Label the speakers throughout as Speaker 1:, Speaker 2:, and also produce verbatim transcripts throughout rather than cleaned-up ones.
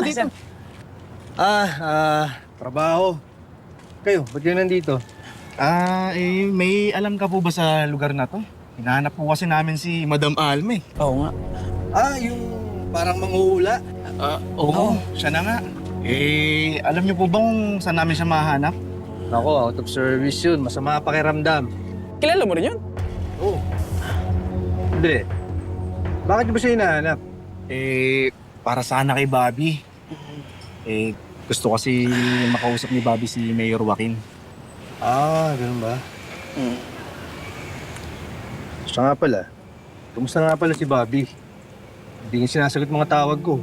Speaker 1: mo dito?
Speaker 2: Ah, ah, trabaho. Kayo, ba't kayo nandito?
Speaker 1: Ah, eh, may alam ka po ba sa lugar na to? Hinahanap po kasi namin si Madam Alme.
Speaker 3: Oo nga.
Speaker 2: Ah, yung parang manghuhula.
Speaker 1: Ah, oo. Siya na nga. Eh, alam niyo po ba kung saan namin siya mahanap?
Speaker 2: Ako, out of service yun. Masama pakiramdam.
Speaker 3: Kilala mo rin yun?
Speaker 2: Oo. Hindi. Bakit niyo ba siya hinahanap?
Speaker 1: Eh, para sana kay Bobby. Eh, gusto kasi makausap ni Bobby si Mayor Joaquin.
Speaker 2: Ah, ganun ba?
Speaker 3: Hmm.
Speaker 2: Siya nga pala. Kumusta nga pala si Bobby? Hindi niya sinasagot mga tawag ko.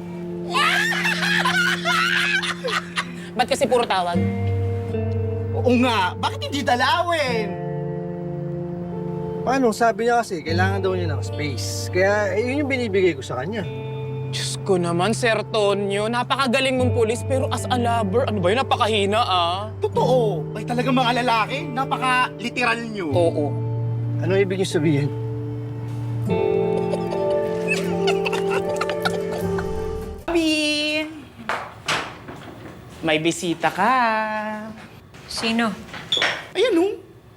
Speaker 3: Ba't kasi puro tawag?
Speaker 1: Oo nga, bakit hindi dalawin?
Speaker 2: Paano? Sabi niya kasi, kailangan daw niya ng space. Kaya, eh, yun yung binibigay ko sa kanya.
Speaker 3: Diyos ko naman, Sir Tonyo. Napakagaling mong pulis, pero as a lover, ano ba yun? Napakahina, ah.
Speaker 1: Totoo. Ay talagang mga lalaki, napaka-literal niyo.
Speaker 3: Oo.
Speaker 2: Ano ibig niyo sabihin?
Speaker 3: Bobby! May bisita ka.
Speaker 4: Sino?
Speaker 1: Ayan oh.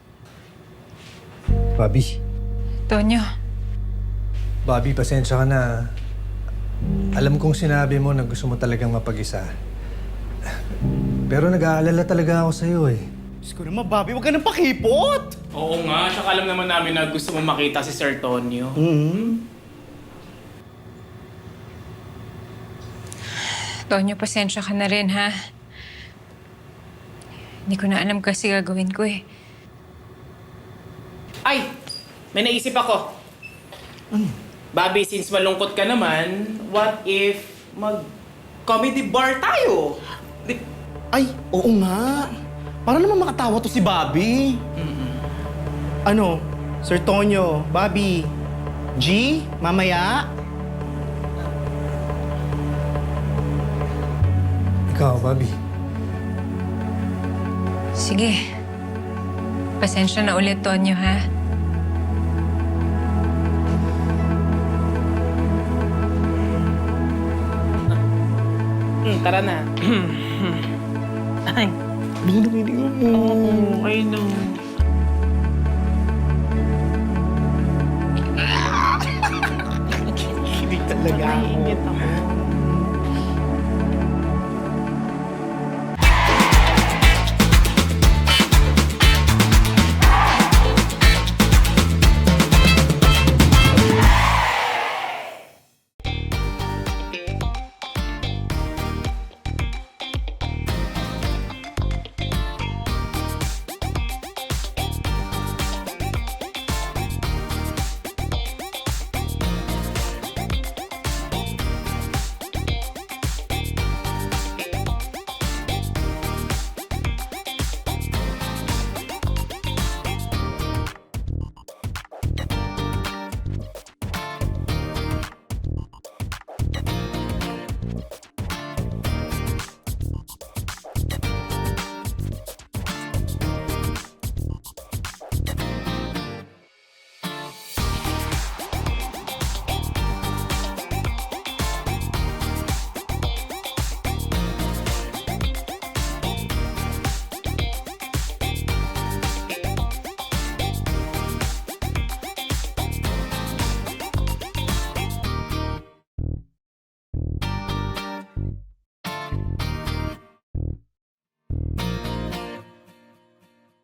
Speaker 2: Bobby.
Speaker 4: Tonyo.
Speaker 2: Bobby, pasensya ka na. Alam kong sinabi mo na gusto mo talagang mapag-isa. Pero nag-aalala talaga ako sa'yo eh.
Speaker 1: Diyos ko naman, Bobby, huwag ka nang pakipot!
Speaker 3: Oo nga, tsaka alam naman namin na gusto mo makita si Sir Tonyo.
Speaker 1: Mm-hmm.
Speaker 4: Tonyo, pasensya ka na rin, ha? Hindi ko na alam kasi gagawin ko eh.
Speaker 3: Ay! May naisip ako. Bobby, since malungkot ka naman, what if mag-comedy bar tayo? Di-
Speaker 1: Ay, oo nga. Para naman makatawa to si Bobby. Ano, Sir Tonyo, Bobby, G, mamaya?
Speaker 2: Ikaw, Bobby.
Speaker 4: Sige. Pasensya na ulit, Tonyo, ha?
Speaker 3: Hmm, tara na. Ay.
Speaker 1: Binubiling mo.
Speaker 3: Oo, I know.
Speaker 1: Kilig talaga ako.
Speaker 3: Naiingit ako.